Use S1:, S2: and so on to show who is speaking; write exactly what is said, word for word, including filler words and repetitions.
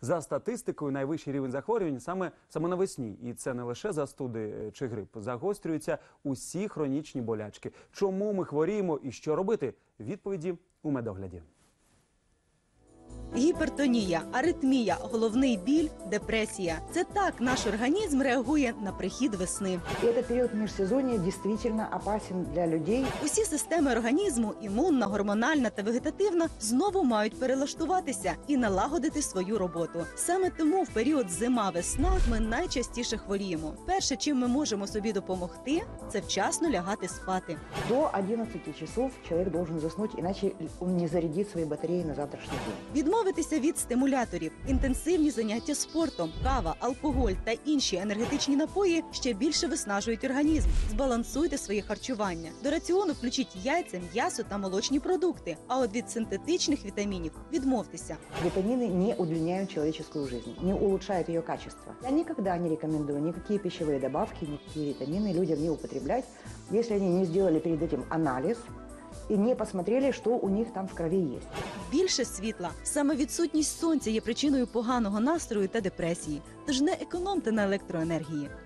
S1: За статистикою, найвищий рівень захворювань саме, саме навесні. І це не лише застуди чи грип. Загострюються усі хронічні болячки. Чому ми хворіємо і що робити? Відповіді у медогляді.
S2: Гіпертонія, аритмія, головний біль, депресія – це так наш організм реагує на прихід весни.
S3: Этот период межсезонья действительно опасен для людей.
S2: Усі системи організму – імунна, гормональна та вегетативна – знову мають перелаштуватися і налагодити свою роботу. Саме тому в період зима-весна ми найчастіше хворіємо. Перше, чим ми можемо собі допомогти – це вчасно лягати спати.
S3: До одиннадцати часов человек должен заснуть, иначе он не зарядит свои батареи на завтрашний день.
S2: Відмовитися від стимуляторів, інтенсивні заняття спортом, кава, алкоголь та інші енергетичні напої ще більше виснажують організм. Збалансуйте своє харчування. До раціону включіть яйця, м'ясо та молочні продукти. А от від синтетичних вітамінів відмовтеся.
S3: Витамины не удлиняют человеческую жизнь, не улучшают ее качество. Я никогда не рекомендую никакие пищевые добавки, никакие витамины людям не употреблять, если они не сделали перед этим анализ и не посмотрели, что у них там в крови есть.
S2: Більше світла. Саме відсутність сонця є причиною поганого настрою та депресії. Тож не економте на електроенергії.